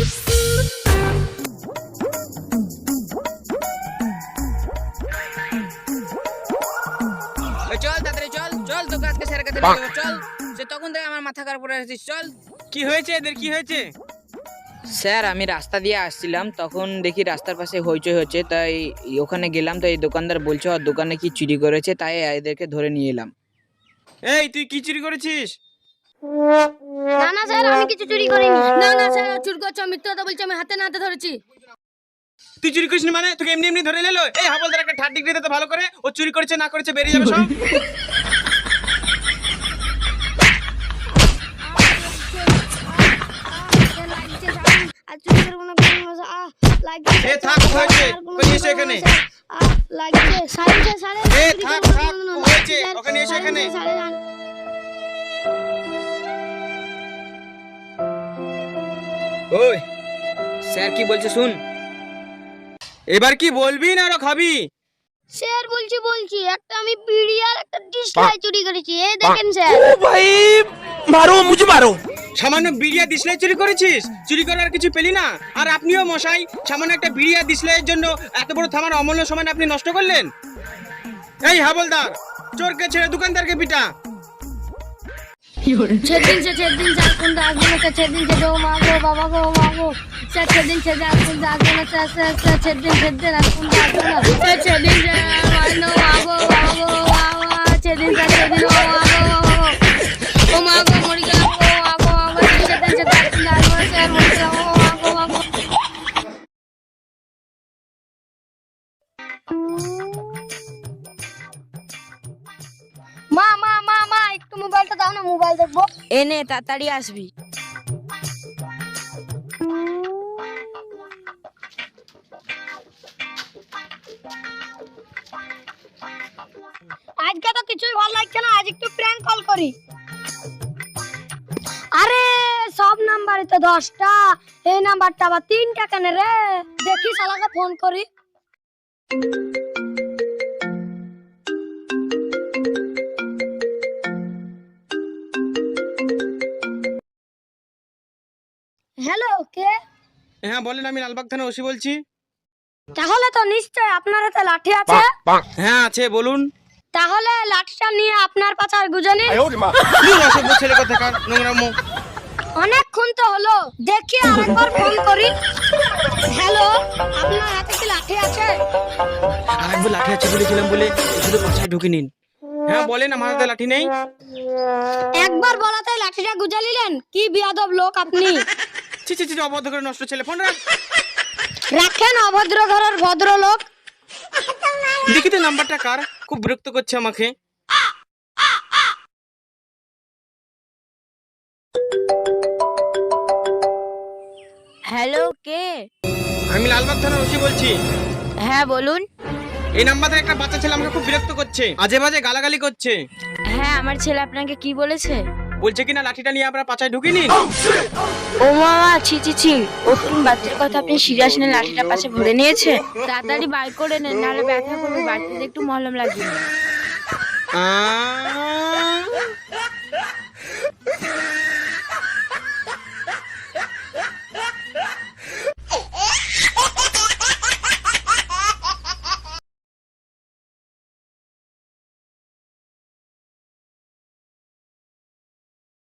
চল তাড়াতাড়ি চল চল, তোকে আজকে স্যারের কাছে নিয়ে যাবো, চল। সে তখন থেকে আমার মাথা খারাপ করে আছিস, চল। কি হয়েছে এদের, কি হয়েছে? স্যার আমি রাস্তা দিয়ে আসছিলাম, তখন দেখি রাস্তার পাশে হইচই হচ্ছে, তাই ওখানে গেলাম। তো এই দোকানদার বলছে ওর দোকানে কি চুরি করেছে, তাই এদেরকে ধরে নিয়ে এলাম। এই তুই কি চুরি করেছিস? না না স্যার, আমি কিছু চুরি করিনি। না না স্যার, চুরি করছো, মিথ্যা কথা বলছি, আমি হাতে না হাতে ধরেছি। তুই চুরি করিস মানে? তোকে এমনি এমনি ধরে নিলো? এই হাবলদার একটা থার্ড ডিগ্রি দিতে ভালো করে, ও চুরি করেছে না করেছে বেরিয়ে যাবে সব। আর চুরি করবো না, লাগছে। এ থাক, হয়েছে, ওকে নিয়ে এসো এখানে। লাগছে, সাড়ে সাড়ে। এ থাক থাক, হয়েছে, ওকে নিয়ে এসো এখানে। ওই স্যার কি বলছে শুন। এবার কি বলবি না আরো খাবি? স্যার বলছি একটা আমি বিড়ি আর একটা ডিসলাই চুরি করেছি, এই দেখেন স্যার। ও ভাই মারো, মুঝে মারো। সামান্য বিড়িয়া ডিসলাই চুরি করেছিস? চুরি করার কিছু পেলি না? আর আপনিও মশাই, সামান্য একটা বিড়িয়া ডিসলাইয়ের জন্য এত বড় থামার অমূল্য সময় আপনি নষ্ট করলেন। এই হাবলদার, চোরকে ছেড়ে দোকানদারকে পিটা। সেদিন যার কোন আসবে না স্যার, সেদিন সে মা গো বাবা গো মা গো স্যার, সেদিন সে যার কোন আসবে না স্যার, স্যার সেদিন আর কোন আসবে না স্যার, সেদিন যে মা গো বাবা গো বাবা, সেদিন ও মা গো মরি গেলাম গো মা গো মা গো, সেদিন সে যার কোন আসবে না স্যার, মরি গেলাম ও মা গো মা গো। মা মা মা মা একটু মোবাইলটা দাও না, মোবাইল দেখবো। এনে তাড়াতাড়ি আসবি। আজকে তো কিছুই ভালো লাগছে না, আজ একটু প্র্যাঙ্ক কল করি। আরে সব নাম্বারই তো 10টা, এই নাম্বারটা আবার 3টা কেন রে? দেখি শালাকে ফোন করি। হ্যালো, কে? হ্যাঁ বলেন, আমি লালবাগ থানা ওসি বলছি। তাহলে তো নিশ্চয় আপনার হাতে লাঠি আছে। হ্যাঁ আছে, বলুন। তাহলে লাঠিটা নিয়ে আপনার পাচার গুজে নিন। অসভ্য ছেলে কোথাকার, নোংরা মুখ। অনেকক্ষণ তো হলো, দেখি আরেকবার ফোন করি। হ্যালো, আপনার হাতে কি লাঠি আছে? আরেকবার লাঠি আছে বলেছিলাম বলে শুধু পাছায় ঢুকে নিন। হ্যাঁ বলেন, আমার হাতে লাঠি নেই। একবার বলাতে লাঠিটা গুজে নিলেন, কি বিয়াদব লোক আপনি। ছি ছি ছি, অবদ্ধ করে নষ্ট ছেলে, ফোন রাখ। রাখেন অভদ্র ঘরের ভদ্র লোক। দেখি তো নাম্বারটা কার, খুব বিরক্ত করছে আমাকে। হ্যালো, কে? আমি লালবাগ থানা ওসি বলছি। হ্যাঁ বলুন। এই নাম্বার থেকে একটা বাচ্চা ছেলে আমাকে খুব বিরক্ত করছে, আজে বাজে গালাগালি করছে। হ্যাঁ, আমার ছেলে আপনাকে কি বলেছে? বলছে কিনা লাঠিটা নিয়ে আপনার পাছায় ঢুকে নিন। ও মামা, ছি ছি ছি, ওরকম বাচ্চার কথা আপনি সিরিয়াস নিয়ে লাঠিটা পাশে ভরে নিয়েছে? তাড়াতাড়ি বার করে নেন, নাহলে ব্যথা করবে, বাড়িতে একটু মলম লাগবে।